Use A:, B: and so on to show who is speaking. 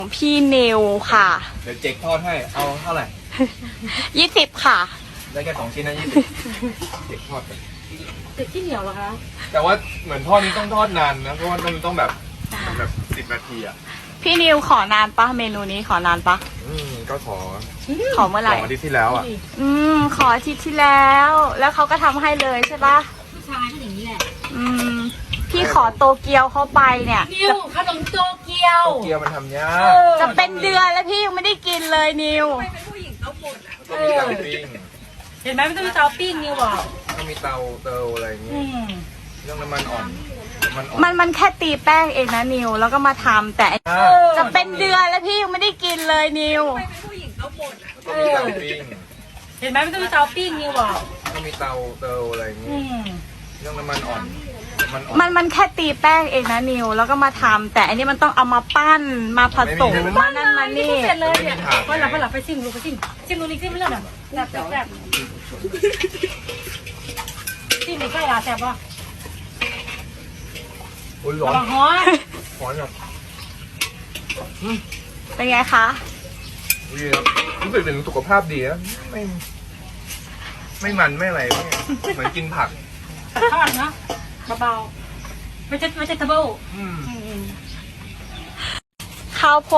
A: ของพี่นิวค่ะ
B: เดี๋ยวเจ๊กทอดให้เอาเท่าไหร่
A: 20ค่ะ
B: ได้แค่2 ชิ้นนะ20เจ๊กทอดไป
C: ติดที่เหนียวเหรอคะ
B: แต่ว่าเหมือนทอดนี้ต้องทอดนานนะเพราะว่ามันต้องแบบ10 นาทีอ่ะ
A: พี่นิวขอนานปะเมนูนี้ขอนานปะ
B: ก็ขอ
A: ขอเมื่อไหร่
B: อาทิตย์ที่แล้วอ่ะ
A: ขออาทิตย์ที่แล้ว แล้วเขาก็ทำให้เลยใช่ปะ
C: ผู้ชายก็อย่างนี้แหละ
A: พี่ขอโตเกียวเขาไปเนี่ย
C: นิวขนมโตเกียว
B: เกี๊ยวมันทำยาก
A: จะเป็นเดือนแล้วพี่ยังไม่ได้กินเลยนิว
B: ต้องมีเตาปิ้ง
C: เห็นไหมมันต้องมีเตาปิ้งนิวบอก
B: ต้องมีเตาอะไรอย่างงี้เรื่องน้ำมันอ่อน
A: มันแค่ตีแป้งเองนะนิว แล้วก็มาทำแต่จะเป็นเดือนแล้วพี่ยังไม่ได้กินเลยนิว
B: ต้องมีเตาปิ้ง
C: เห็นไหมมันต้องมีเตาปิ้งนิวบอก
B: ต้องมีเตาอะไรอย่างงี้เรื่องน้ำมันอ่อน
A: มันแค่ตีแป้งเองนะนิว แล้วก็มาทำแต่อันนี้มันต้องเอามาปั้นมาผสมมานั่นมานี่
C: เสร็จเลยเนี่ยพอหลับไปชิมดูไปชิมดูนี่ชิมไม่เลิกอ่ะแซ่บชิมไม่ใช่ละแซ่บป่ะ
B: อุ้ยร้อ
C: ระ
B: น
C: วังฮ้อน
B: ร้อนแบบ
A: เป็นไงคะ
B: ดีครับรู้สึกถึงสุขภาพดีนะไม่มันไม่อะไรเหมือนกินผัก
C: ทอดเนาะเบาๆไม่ใช่ทับเบิล
A: ข้าวโพ